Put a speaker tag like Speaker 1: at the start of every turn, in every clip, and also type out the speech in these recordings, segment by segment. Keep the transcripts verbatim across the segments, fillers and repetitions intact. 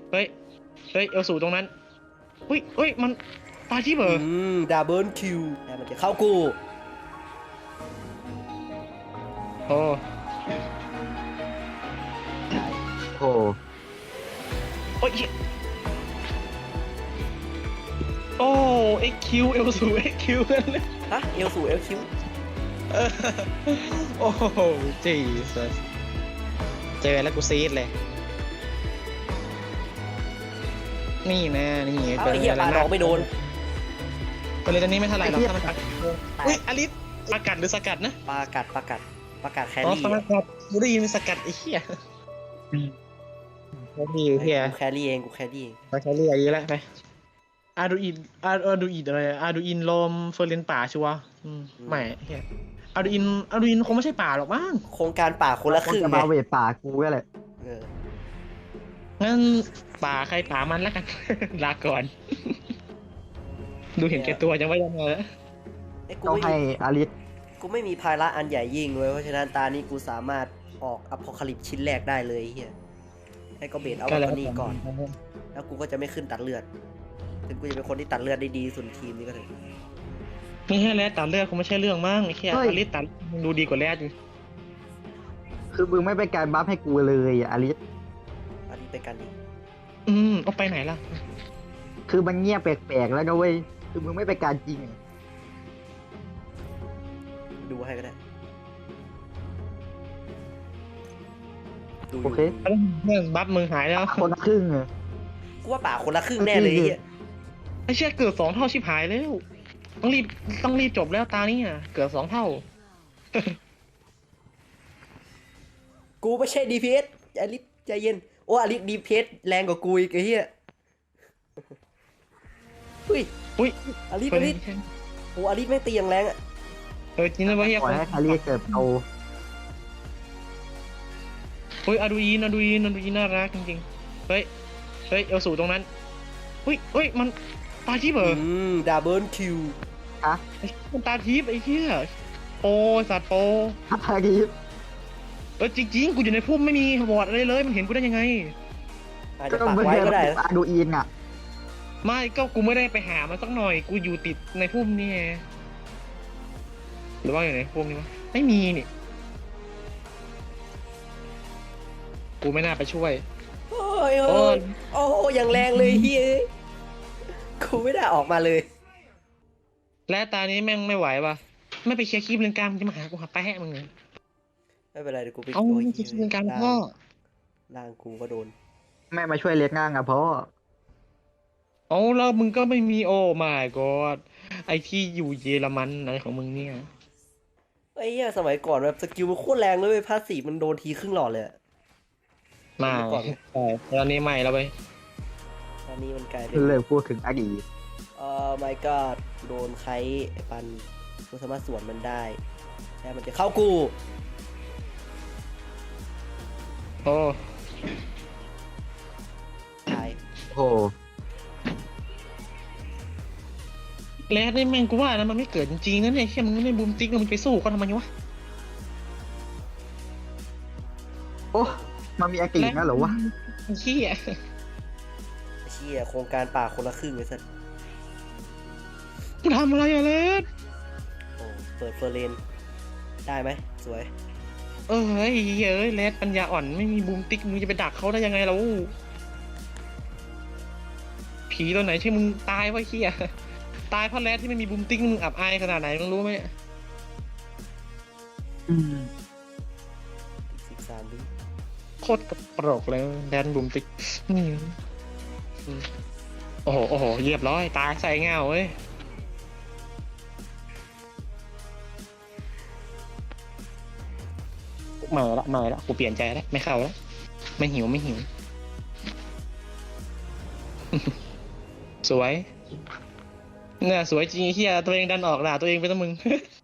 Speaker 1: เฮ้ยเฮ้ยเอลสูตรงนั้นเฮ้ยเฮ้ยมันตาที่เบอร์
Speaker 2: อืมดับเบิลคิวแต่มันจะเข้ากู
Speaker 1: โอ้
Speaker 3: โอ้
Speaker 1: โอ้ยโอ้เอ็กคิวเอลสูเอ็กคิวกันเลย
Speaker 2: ฮะเอลสู่เอลคิว
Speaker 1: โอ้โหจีสเจอแล้วกูซีดเลยนี่นะนี่
Speaker 2: เอ้าไอ้เหี้ยปาดอกไม่โดน
Speaker 1: ไปเลยตอนนี้ไม่เท่าไหร่หรอกถ้ามันปักอุ้ยอลิสสกัดหรือสกัดนะ
Speaker 2: ปลากัดปลากัดปลากัดแค
Speaker 1: อ๋อ
Speaker 2: รี่
Speaker 1: สกัดกูได้ยินสกัดไอ้เหี้ยแครี่เหี้ย
Speaker 2: กูแครี่เองกูแครี่เอง
Speaker 1: ไปแครี่อะไรแล้วไปอาดูอินอาอาดูอินอะไรอาดูอินลมเฟอร์เรนป่าชัวร์ไม่เหี้ยอาดูอินอาดูอินคงไม่ใช่ป่าหรอกมั้ง
Speaker 2: โครงการป่าคนละครึ่ง
Speaker 3: จะ
Speaker 2: ไง
Speaker 3: มาเวทป่ากูก็แหละ
Speaker 2: เออ
Speaker 1: งั้นป่าใครป่ามันแล้วกัน ลาก่อน ดูเห็นแก่ตัวจังว่ายังไงแล้ว
Speaker 2: ไอ้กู
Speaker 3: ต้อง
Speaker 2: ไม่
Speaker 3: ให้
Speaker 2: มี
Speaker 3: อาริส
Speaker 2: กูไม่มีภาระอันใหญ่ยิ่งเว้ยเพราะฉะนั้นตานี้กูสามารถออกอพอคาลิปชิ้นแรกได้เลยไอ้เฮียให้ก็เบสเอาแบบนี้ก่อน แล้วกูก็จะไม่ขึ้นตัดเลือดถึงกูจะเป็นคนที่ตัดเลือดได้ดีสุดทีมนี้ก็เถอะ
Speaker 1: นี่แค่แรดตัดเลือดคงไม่ใช่เรื่องมั้งไอ้แค่อาริสตัดมึงดูดีกว่าแรดอยู่
Speaker 3: คือมึงไม่เป็นการบัฟให้กูเลยอะอาริส
Speaker 2: อันนี้ไปกันดี
Speaker 1: อืมเอาไปไหนล่ะ
Speaker 3: คือมันเงียบแปลกๆแล้วนะเว้ยคือมึงไม่เป็นการจริงอะ
Speaker 2: ดูให้ก็ได้ดูอ
Speaker 3: โอยู่ เค
Speaker 1: เรื่องบัฟมึงหายแล้ว
Speaker 3: คนละครึ่งอะ
Speaker 2: กูว่าป่าคนละครึ่งแน่เลยไอ้เฮีย
Speaker 1: ไอ้เชี่ยเกิดสองเท่าชิบหายแล้ว ต้องรีบต้องรีบจบแล้วตานี้อ่ะเกิดสองเท่า
Speaker 2: กูไม่ใช่ ดี พี เอส อลิสใจเย็นโอ้อลิส ดี พี เอส แรงกว่ากูอีกไอ้เฮียอุ้ย
Speaker 1: อุ้ย
Speaker 2: อลิสอลิสโอ้อลิสไม่งตีอย่างแรงอ่ะ
Speaker 1: เออจริงนะวะเฮีย
Speaker 3: ปล่อยให้อาริสเกิดเอา
Speaker 1: เฮ้ยอาดูอินอาดูอินอาดูอินน่ารักจริงๆเฮ้ยเฮ้ยเอลสูตรงนั้นเฮ้ยเฮ้ยมันตาทิพย์เหรอ
Speaker 2: อืมดับเบิลคิว
Speaker 3: อะ
Speaker 1: ไอ้มันตาทิพย์ไอ้เหี้ยโปสัตว์โป
Speaker 3: อาริส
Speaker 1: เออจริงๆกูอยู่ในพุ่มไม่มีบอร์ดอะไรเลยมันเห็นกูได้ยังไง
Speaker 2: อาจ
Speaker 3: ก็
Speaker 2: จะปัก
Speaker 3: ไม่
Speaker 2: ไว้
Speaker 3: ใช่
Speaker 2: ก็ได้นะ
Speaker 3: อาดูอินอะ
Speaker 1: ไม่ก็กูไม่ได้ไปหามันสักหน่อยกูอยู่ติดในพุ่มนี่ไงหรือว่าอยู่ในพุ่มนี่วะไม่มีนี่กูไม่น่าไปช่วย
Speaker 2: โอ้ย
Speaker 1: โอ้
Speaker 2: โอ้
Speaker 1: ย
Speaker 2: ยโอ้โหอย่างแรงเลยเฮ้ยกูไม่ได้ออกมาเลย
Speaker 1: และตานี้แม่งไม่ไหวว่ะไม่ไปเคลียร์คลิปเรื่องกลางมึงจะมาหากูหาแปะมึงเลย
Speaker 2: ไม่เป็นไรเดี๋ยวกูไป
Speaker 1: เอา
Speaker 2: โย
Speaker 1: ไม่เคลียร์คลิปเรื่องกลางพ่อ
Speaker 2: ร่างกูก็โดน
Speaker 3: ไม่มาช่วยเลี้ยงง่างอะเพราะ
Speaker 1: เอาแล้วมึงก็ไม่มีโอ้ my god ไอที่อยู่เยอรมันอะไรของมึงเนี่ย
Speaker 2: ไอ้เหี้ยสมัยก่อนแบบสกิลมันโคตรแรงเลยเว้ยพาสซีฟมันโดนทีครึ่งหลอดเลยอะ
Speaker 1: มา
Speaker 2: ก่อน
Speaker 1: ใช่ตอนนี้ใหม่แล้วไป
Speaker 2: ตอนนี้มันกลายเป็น
Speaker 3: เลิกพูดถึงอดีต
Speaker 2: เอ่อ my god โดนใครไอ้ปันกูสามารถสวนมันได้แต่มันจะเข้ากู
Speaker 1: โอ้
Speaker 2: ตาย
Speaker 3: โอ้
Speaker 1: แล้วนี่แม่งกูว่านะมันไม่เกิดจริงๆนะเนี่ยแค่มึงไม่บูมติ๊กแล้วมึงไปสู้เขาทำไมวะ
Speaker 3: โอ้มันมีอากินะเหรอวะ
Speaker 1: ไอ้เหี้ย
Speaker 2: ไอ้เชี่ยโครงการป่าคนละครึ่งไอ้สัส
Speaker 1: มึงทำอะไรอะเลส
Speaker 2: โอ้เปิดเฟอร์เรนได้ไหมสวย
Speaker 1: เออไอ้เหี้ยเอ้ยเลสปัญญาอ่อนไม่มีบูมติ๊กมึงจะไปดักเขาได้ยังไงเราผีตัวไหนที่มึงตายวะเหี้ยตายเพราะเลสที่ไม่มีบูมติ๊กมึงอับอายขนาดไหนมึงรู้ไหม
Speaker 3: อืม
Speaker 2: สิบสามวิ
Speaker 1: โคตรกระโปรกเลยแดนบูมติ๊กอืมอืมโอ้โหโอ้โหเรียบร้อยตายใส่เงาเว้ยเมาละเมาละกูเปลี่ยนใจแล้วไม่เข้าแล้วไม่หิวไม่หิว สวยเนี่ยสวยจริงไอ้เฮียตัวเองดันออกด่าตัวเองไปตั้งมึง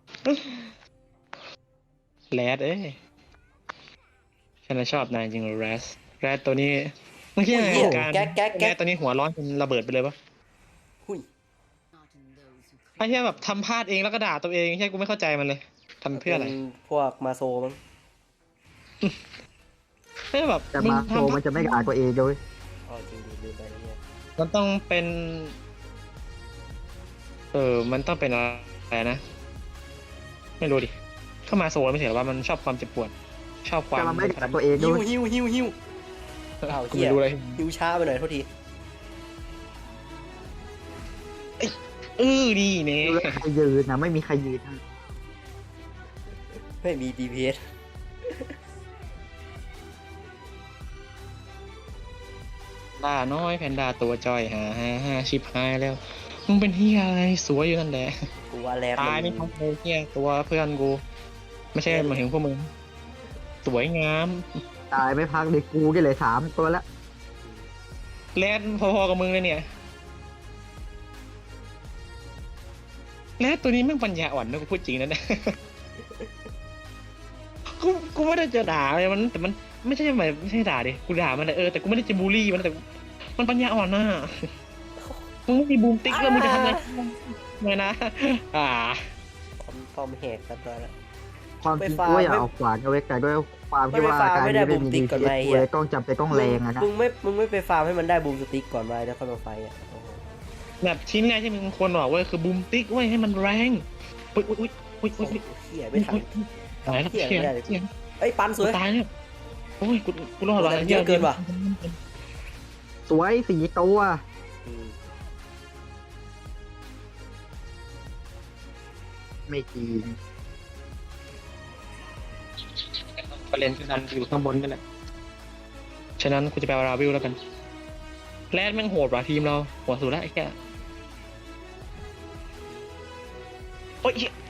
Speaker 1: แรดเอ้ยฉันน่ะชอบนายจริงแรสแรดตัวนี้เมื่อกี้ไง
Speaker 2: โอ้ย
Speaker 1: การ
Speaker 2: แก๊กแก๊ก
Speaker 1: แร
Speaker 2: แก๊
Speaker 1: ด
Speaker 2: ก
Speaker 1: ตัวนี้หัวร้อนจนระเบิดไปเลยปะ
Speaker 2: หุ้ย
Speaker 1: ไอ้เฮียแบบทำพลาดเองแล้วก็ด่าตัวเองใช่กูไม่เข้าใจมันเลยทำเพื่ออะไร
Speaker 2: ป็นพวกมาโซมั้ง
Speaker 1: ไม่แบบ
Speaker 3: แต่
Speaker 1: มึง
Speaker 3: มาโซ
Speaker 1: ทำพลา
Speaker 3: มั
Speaker 1: ด
Speaker 3: นจะไม่ด่าตัวเองเลย
Speaker 2: ออ๋อจริงดิลืมไปเนี่ย
Speaker 1: มันต้องเป็น เออ มันต้องเป็นอะไรนะ ไม่รู้ดิ เข้ามาโซนไม่ใช่เหรอว่ามันชอบความเจ็บปวด ชอบความ
Speaker 3: แต่มันไม่ได้กับตัวเองด้
Speaker 2: หิ
Speaker 3: ว
Speaker 2: วย หิวหิวหิวอ้าว
Speaker 1: กู
Speaker 2: เหี้ย
Speaker 1: ไม่รู้เลย
Speaker 2: หิวช้าไปหน่อยโทษที
Speaker 1: เออดีเนี่ย
Speaker 3: ดูแล้วใครยืนนะไม่มีใครยืนนะ
Speaker 2: ไม่มี ดี พี เอส
Speaker 1: ล่าน้อยแพนด้าตัวจอยหาห้าห้าชิปหายแล้ว มึงเป็นเฮียอะไรสวยอยู่นั่นแหละ
Speaker 2: กูว่าแรด
Speaker 1: ตาย
Speaker 2: มั
Speaker 1: ไม่
Speaker 2: น
Speaker 1: ทันเลยเฮียตัวเพื่อนกู ไม่ใช่หมายถึงพวกมึง สวยงาม
Speaker 3: ตายไม่พักเลยกูก็เลยสามตัวละ
Speaker 1: แลดพอๆกับมึงเลยเนี่ยแลดตัวนี้แม่งปัญญาอ่อนนะกูพูดจริงนะเนี่ย กูกูไม่ได้จะด่าเลยมันแต่มันไม่ใช่หมายไม่ใช่ด่าดิกูด่ามันแต่เออแต่กูไม่ได้จะบูลลี่มันแต่มันปัญญาอ่อนน่ะมึงไม่มีบูมติ๊กแล้วมึงจะทำอะไรไม่นะ อ่า
Speaker 2: ป้อมป้อมแหกกันตัวละ
Speaker 3: ความจริง
Speaker 2: ไปฟาร์ม
Speaker 3: กูอยากเอาขวานเอาไว้แต่ด้วยความที่ว่า
Speaker 2: ไม่ไปฟาร์ม
Speaker 3: การ
Speaker 2: ไม่ได้
Speaker 3: ที่ไม่มี
Speaker 2: บูมติ๊
Speaker 3: ดี
Speaker 2: กก่อน
Speaker 3: พี
Speaker 2: ไหม
Speaker 3: เอส
Speaker 2: เหี้
Speaker 3: กู
Speaker 2: ย
Speaker 3: เลยต้องจำเป็นต้องแรงอะนะ
Speaker 2: มึงไม่มึงไม่ไปฟาร์มให้มันได้บูมสติ๊กก่อนไว้แล้วค่อยมาไฟอ่ะโอ้โห
Speaker 1: แบบชิ้นแรกที่มึงควรบอกเว้ยคือบูมติ๊กเว้ยให้มันแรงอุ้ยอุ้ยอุ้ยอุ้ยอุ้ยอุ้ย
Speaker 2: เหี้ยไม่ทัน
Speaker 1: ตายแล้ว
Speaker 2: เหี้ย
Speaker 1: เชี่ย
Speaker 2: ไม่ได้เลย
Speaker 1: เชี่ย
Speaker 2: เอ้ยปันสวย
Speaker 1: ตายเนี่ยโอ้ยกูกูรอดว่ะ
Speaker 2: แต่มันเยอะเกินว่ะ
Speaker 3: สวยสี่ตัว
Speaker 2: อืม
Speaker 3: ไม่จริง
Speaker 1: ประเด็นคือดันอยู่ข้างบนนี่แหละฉะนั้นกูจะไปเอาราวิลแล้วกันแรดแม่งโหดว่ะทีมเราหัวสุดแล้วไอ้แก่โอ้ยเหี้ย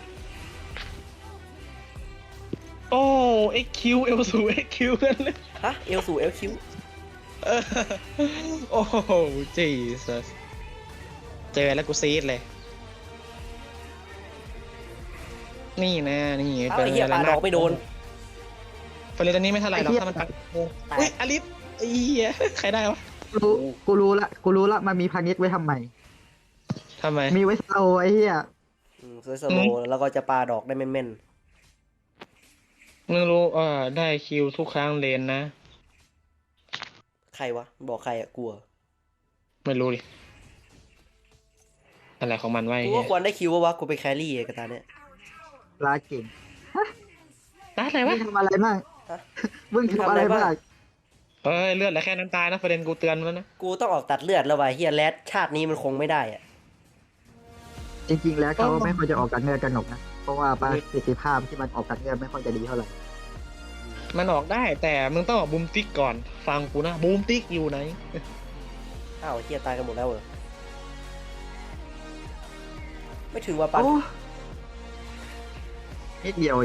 Speaker 1: โอ้เอ็กคิวเอลสูเอ็กคิวกันเลย
Speaker 2: ฮะเอลสู่เอลคิว
Speaker 1: เออโอ้โหจีสัสเจอแล้วกูซีดเลย นี่นะนี่
Speaker 2: เอ้าไอ้เหี้ยปาดอกไม่โดน
Speaker 1: เฟรนตอนนี้ไม่เท่าไหร่หรอกถ้ามันปักอุ้ยอลิสไอ้เหี้ยใครได้วะ
Speaker 3: กูรู้กูรู้ละกูรู้ละมันมีพานิชไว้ทำไม
Speaker 1: ทำไม
Speaker 3: มีไว้โซไอ้เหี้ย
Speaker 2: อืมสวยสโลว์แล้วก็จะปาดอกได้แม่น
Speaker 1: มึงรู้เออได้คิวทุกครั้งเลนนะ
Speaker 2: ๆใครวะบอกใครอ่ะกลัว
Speaker 1: ไม่รู้ดิอะไรของมันไว้
Speaker 2: กูว่าควรได้คิววะกูไปแครี่ไอ้กระตาเนี่ย
Speaker 3: ลาเก่ง
Speaker 1: ได้อะไร
Speaker 3: มึ
Speaker 1: วะ
Speaker 3: งทำอะไรบ้าง
Speaker 2: ฮะ
Speaker 3: มึงทำอะไรบ้าง
Speaker 1: เอ้ยเลือดเหลือแค่น้ำตานะเฟรนกูเตือนมันแล้วนะ
Speaker 2: กูต้องออกตัดเลือดแล้ววะเฮียแรดชาตินี้มันคงไม่ได้อ่ะ
Speaker 3: จริงๆ แล้วเขาไม่ค่อยจะออกกันเงินกันหนกนะ เพราะว่าประสิทธิภาพที่มันออกกันเงินไม่ค่อยจะดีเท่าไหร่
Speaker 1: มันออกได้แต่มึงต้องออกบูมติ๊กก่อนฟังกูนะบูมติ๊กอยู่ไหน
Speaker 2: อ้าวเฮียตายกันหมดแล้วเหรอไม่ถึงว่าปัน
Speaker 3: โอ้นิดเดียวเอง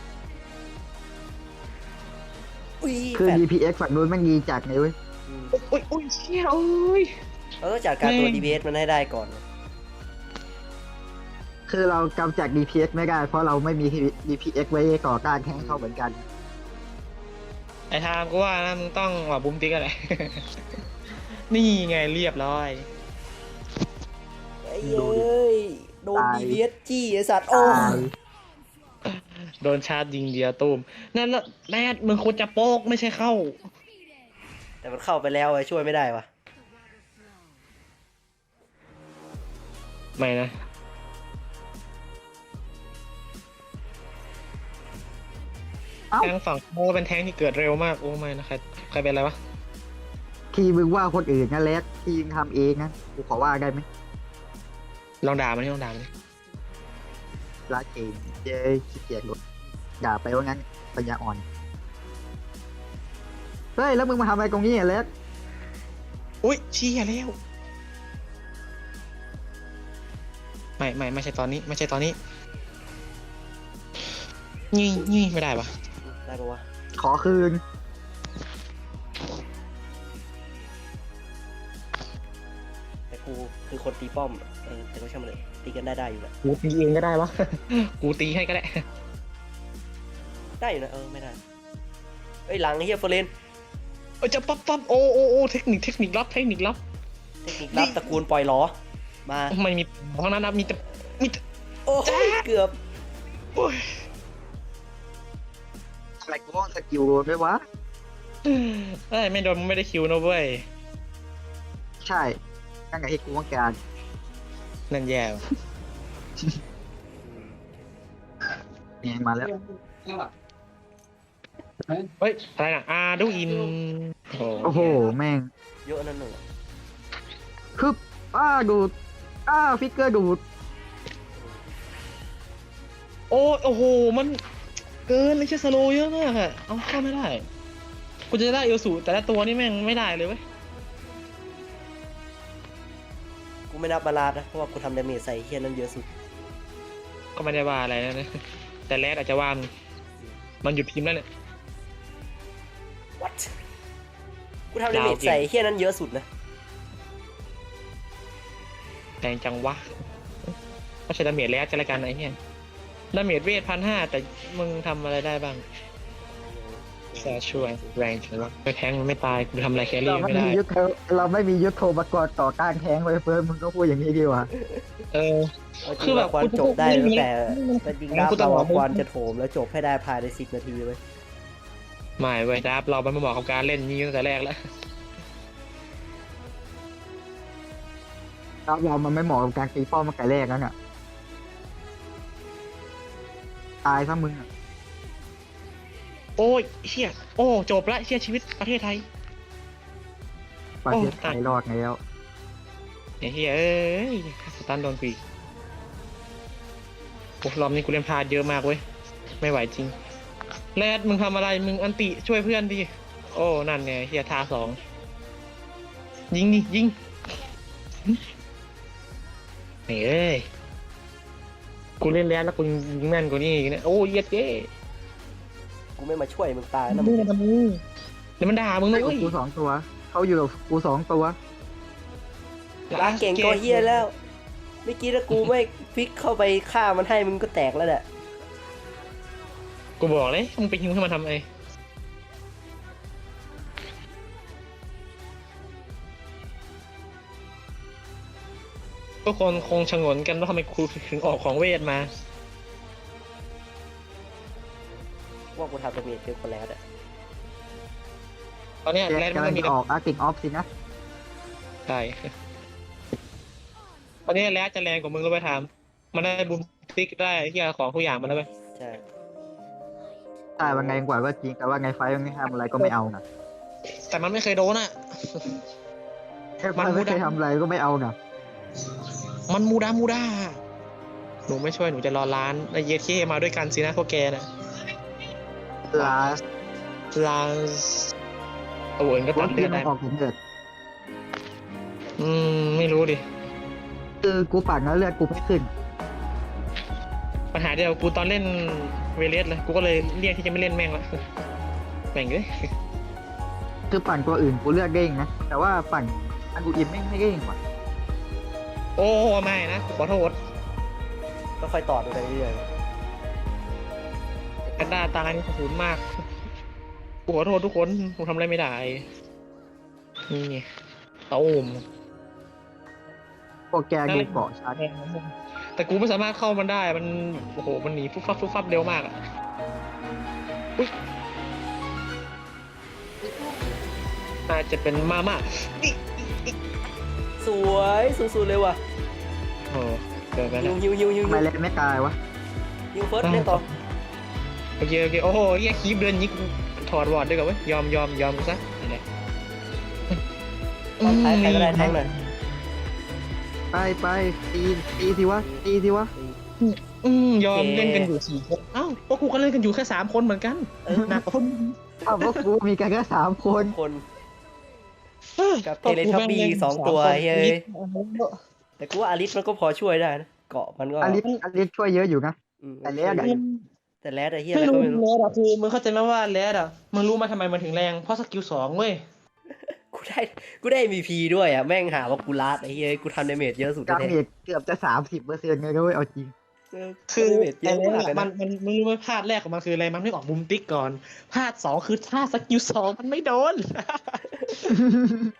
Speaker 2: อุ้ย
Speaker 3: คือ
Speaker 2: แฟด
Speaker 3: ดี พี เอ็กซ์ ฝั่งนู้นมันดีจัดไงเว้ย
Speaker 2: อืม
Speaker 1: โอ้ยโอ้ยเชี่ยโอ้ย
Speaker 2: เราต้องจัดการตัว ดี พี เอส มันให้ได้ก่อน
Speaker 3: คือเรากำจัด ดี พี เอ็กซ์ ไม่ได้ เพราะเราไม่มี ดี พี เอ็กซ์ ไว้ก่อการแข่งเข้าเหมือนกัน
Speaker 1: ไอ้ทามกูว่านะมึงต้องออกบูมติ๊กอะไร นี่ไงเรียบร้อย
Speaker 2: ไอ้เอ้ยโดน
Speaker 3: ตาย
Speaker 2: ดี พี เอส จี้ไอสัตว์โอ้
Speaker 3: ตาย
Speaker 1: โดนชาร์จยิงเดียวตูมนั่นแล้วแรดมึงควรจะโป๊กไม่ใช่เข้า
Speaker 2: แต่มันเข้าไปแล้วไอ้ช่วยไม่ได้วะ
Speaker 1: ไม่นะ
Speaker 3: เอ้า
Speaker 1: แทงฝั่งโมเป็นแทงที่เกิดเร็วมากโอ้ไม่นะใครใครเป็นอะไรวะ
Speaker 3: ที่มึงว่าคนอื่นนะแลกที่มึงทำเองนะกูขอว่าได้ไหม
Speaker 1: ลองด่ามันนี่ลองด่ามันนี่
Speaker 3: ลาเก่งเย้ขี้เกียจหลดด่าไปว่างั้นปัญญาอ่อน เฮ้ย แล้วมึงมาทำอะไรตรงนี้อ่ะแลก
Speaker 1: อุ้ยเชี่ยแล้วไม่ไม่ไม่ใช่ตอนนี้ ไม่ใช่ตอนนี้นี่นี่ไม่ได้ปะ
Speaker 2: ได้ปะวะ
Speaker 3: ขอคืน
Speaker 2: แต่กูคือคนตีป้อมเออแต่ก็ช่างมันเลยตีกันได้ได้อยู่แหละ
Speaker 1: กูตีเองก็ได้วะ กูตีให้ก็ได้
Speaker 2: ได้อยู่นะเออไม่ได้เอ้ยหลังไอ้เฮียเฟอร์เรน
Speaker 1: เอ้ยจะปั๊บปั๊บโอ้โอ้โอ้เทคนิคเทคนิคลับเทคนิคลับ
Speaker 2: เทคนิครับตระกูลปล่อยล้อมา
Speaker 1: ไม่มีห้องนั้นนะมีแต่มีแต่
Speaker 2: โอ้ยเกือบ
Speaker 1: โอ้ย
Speaker 3: อะไรกูว่าสกิลโดนไหมวะ
Speaker 1: เอ้ยไม่โดนไม่ได้คิวนะเว้ย
Speaker 3: ใช่ตั้งแต่ที่กูต้องการ
Speaker 1: นั่นแย่ว่ะ
Speaker 3: เนี่ยมาแล้ว
Speaker 1: เฮ้ยอะไรน่ะอาดูอินโอ้
Speaker 3: โอ้โหแม่ง
Speaker 2: เยอะนั่นหนึ่ง
Speaker 3: คืออ้าดูดอ้าฟิกเกอร์ดูด
Speaker 1: โอ้โอ้โหมันเกินเลยใช่สโลเยอะมากอะเอาเข้าไม่ได้กูจะได้เอลสูแต่ละตัวนี่แม่งไม่ได้เลยเว้ย
Speaker 2: กูไม่นับบาลาดนะเพราะว่ากูทำดาเมจใส่เฮียนั้นเยอะสุด
Speaker 1: ก็ไม่ได้ว่าอะไรนะ แต่แรดอาจจะว่ามึงมันหยุดพิมพ์แล้วเนี่ย
Speaker 2: what กูทำดาเมจใส่เฮียนั้นเยอะสุดนะ
Speaker 1: แรงจังวะก็ใช้ดาเมจแรดจะละกันไอ้เหี้ยดาเมจเวทพันห้าแต่มึงทำอะไรได้บ้างแค่ช่วยแรงจังวะไปแทงมันไม่ตายกูทำอะไรแค
Speaker 3: เรา
Speaker 1: รี่
Speaker 3: ไม่
Speaker 1: ไม่
Speaker 3: มี
Speaker 1: ได้
Speaker 3: ยุทธเราไม่มียุทธโทปกรณ์ต่อการแทงไว้เฟิร์นมึงก็พูดอย่างนี้ดีกว่า
Speaker 1: เออ
Speaker 2: เอาจ
Speaker 1: คื
Speaker 2: ริ
Speaker 1: อง แบบ
Speaker 2: ควรจบได้ตั้งแต่แต่จริงดับ
Speaker 1: กูต้อ
Speaker 2: เรา
Speaker 1: งบอก
Speaker 2: ควรจะโถมแล้วจบให้ได้ภายในสิบนาทีเว้ย
Speaker 1: ไม่เว้ยดับเราไม่เหมาะกับการเล่นนี้ตั้งแต่แรกแล้ว
Speaker 3: ครับเรามันไม่เหมาะกับการตีป้อมมาไก่แรกแล้วเนี่ยตายซะมึงอะ
Speaker 1: โอ้ยเชี่ยโอ้จบละเชี่ยชีวิตประเทศไทย
Speaker 3: ประเทศไทยรอดแล้ว
Speaker 1: ไอ้เฮ้ยเอ้ยสตันโดนกูอีกโอ้รอบนี้กูเล่นพลาดเยอะมากเว้ยไม่ไหวจริงแรดมึงทำอะไรมึงอันติช่วยเพื่อนดิโอ้นั่นไงเฮียทาสองยิงดิยิงนี่เอ้ยกูเล่นแรดแล้วกูยิงแม่นกว่านี้อีกเนี่ยโอ้ยเย็ดเย้
Speaker 2: กูไม่มาช่วยมึงตายนะ
Speaker 1: มึ
Speaker 2: มึ
Speaker 1: ง
Speaker 2: ง
Speaker 1: ทำมึงเดี๋ยวมันด่ามึง
Speaker 3: อ
Speaker 1: นะ
Speaker 3: ยู่กับ
Speaker 1: เว้ย
Speaker 3: กูสองตัวเขาอยู่กับกูสองตัว
Speaker 2: ลาเก่งก็เฮียแล้วเมื่อกี้ถ้ากูไม่พลิกเข้าไปฆ่ามันให้มึงก็แตกแล้วแหละ
Speaker 1: กูบอกเลยมึงไปยิงให้มันทำไอทุกคนคงชงนกันว่าทำไมครูถึงออกของเวทมา
Speaker 2: ว่ากูทำดาเมจเยอะกว่าแล้วอะ
Speaker 1: ตอนเนี้ย
Speaker 3: แก
Speaker 1: แรดมัน
Speaker 3: กำลั
Speaker 1: ก็
Speaker 3: ง
Speaker 1: มี
Speaker 3: จะออกอาร์ติกออฟสินะ
Speaker 1: ใช่ตอนนี้แรดจะแรงกว่ามึงก็ไปทำมันได้บูมฟิกได้ที่ของทุกอย่างมันแล้วไป
Speaker 2: ใช่
Speaker 3: ใช่ว่าไงกว่าก็จริงแต่ว่าไงไฟมันไม่ทำอะไรก็ไม่เอานะ
Speaker 1: แต่มันไม่เคยโดนอ่ะ มั
Speaker 3: มัน น
Speaker 1: ไม่
Speaker 3: ไม่
Speaker 1: ได้
Speaker 3: เคยทำอะไรก็ไม่เอานะ
Speaker 1: มันมูดามูดาหนูไม่ช่วยหนูจะรอร้านไอเยเคมาด้วยกันสินะพวกแกนะ
Speaker 3: ลา
Speaker 1: ร้านตัวอื่นก็
Speaker 3: ร
Speaker 1: ตั
Speaker 3: ถ
Speaker 1: ดเลื
Speaker 3: ที่
Speaker 1: อด
Speaker 3: มั
Speaker 1: ได้
Speaker 3: นออกผมเดือด
Speaker 1: อืมไม่รู้ดิ
Speaker 3: คือกูปั่นแล้วเลือดกูไม่ขึ้น
Speaker 1: ปัญหาเดียวกูตอนเล่นเวเลสเลยกูก็เลยเรียกที่จะไม่เล่นแม่งละแม่งเลย
Speaker 3: คือปั่นตัวอื่นกูเลือดเด้งนะแต่ว่าปั่นอันกูอิมไม่ไม่เด้งว่ะ
Speaker 1: โอ้ไม่นะขอโทษ
Speaker 2: ก็ค่อยต่อดูไปเรื่อย
Speaker 1: แอนด้าตายนี่ขอบคุณมากกูขอโทษทุกคนกูทำอะไรไม่ได้นี่ไงเต้าอม
Speaker 3: พวกแกดูเกาะชัด
Speaker 1: แต่กูไม่สามารถเข้ามันได้มันโอ้โหมันหนีฟุบฟับฟุบฟับเร็วมากอ่ะอุ๊ยน่าจะเป็นมาม่านี่
Speaker 2: ๆสวยสุดๆเลยว่ะ
Speaker 1: โอ้เกิดไป
Speaker 2: ยิ
Speaker 1: แล้ว ว
Speaker 2: ยิวยิวยิว
Speaker 3: ทำไมแลนไม่ตายวะ
Speaker 2: ยิวเฟิร์สเล่นต่อ
Speaker 1: โอเคโอเคโอ้โหเฮียคีบเดินยิงถอดวอร์ดด้วยกันเว้ยยอมยอมยอมซะนี่แหละ
Speaker 2: ตอนท้ายใครก็ได้แทงหน่อย
Speaker 3: ไปไปตีตีสิวะตีสิวะ
Speaker 1: อืมยอมเล่นกันอยู่สี่คนเอ้าพวกกูก็เล่นกันอยู่แค่สามคนเหมือนกัน
Speaker 2: เออ
Speaker 1: หนักกว่าพวกมึง
Speaker 3: อ้าวพวกกูมีกันแค่สามคน
Speaker 2: คน
Speaker 1: เออ
Speaker 2: กับเทเลทับบี้สองตัวเฮ้ย แต่กูว่าอาริสมันก็พอช่วยได้นะเกาะมันก็
Speaker 3: อลิสอลิสช่วยเยอะอยู่นะ
Speaker 2: อืม
Speaker 3: แต่แรดอะ
Speaker 2: แต่แรดอะเฮียอะไร
Speaker 1: ไม่
Speaker 2: ก็
Speaker 1: รู้
Speaker 2: ไม่รู้
Speaker 1: แรดอะคือมึงเข้าใจไหมว่าแรดอะมึงรู้ไหมทำไมมันถึงแรงเพราะสกิลสองเว้ย
Speaker 2: กูได้กูได้ เอ็ม วี พี ด้วยอ่ะแม่งหาว่ากูลาดไอ้เฮียกูทำดาเมจเยอะสุด
Speaker 3: ดา
Speaker 2: แท้
Speaker 3: เมจเกือบจะสามสิบเปอร์เซ็นต์เลยนะเว้ยเอาจริง
Speaker 2: ๆเออ
Speaker 1: คือ
Speaker 2: ดาเมจเย
Speaker 1: ไอ้
Speaker 2: อะ
Speaker 1: แร
Speaker 2: มาก
Speaker 1: ด
Speaker 2: เลย
Speaker 1: มั
Speaker 2: นะ
Speaker 1: นมันมึงรู้ไหมพลาดแรกของมันคืออะไรมันไม่ออกมุมติ๊กก่อนพลาดสองคือท่าสกิลสองมันไม่โดน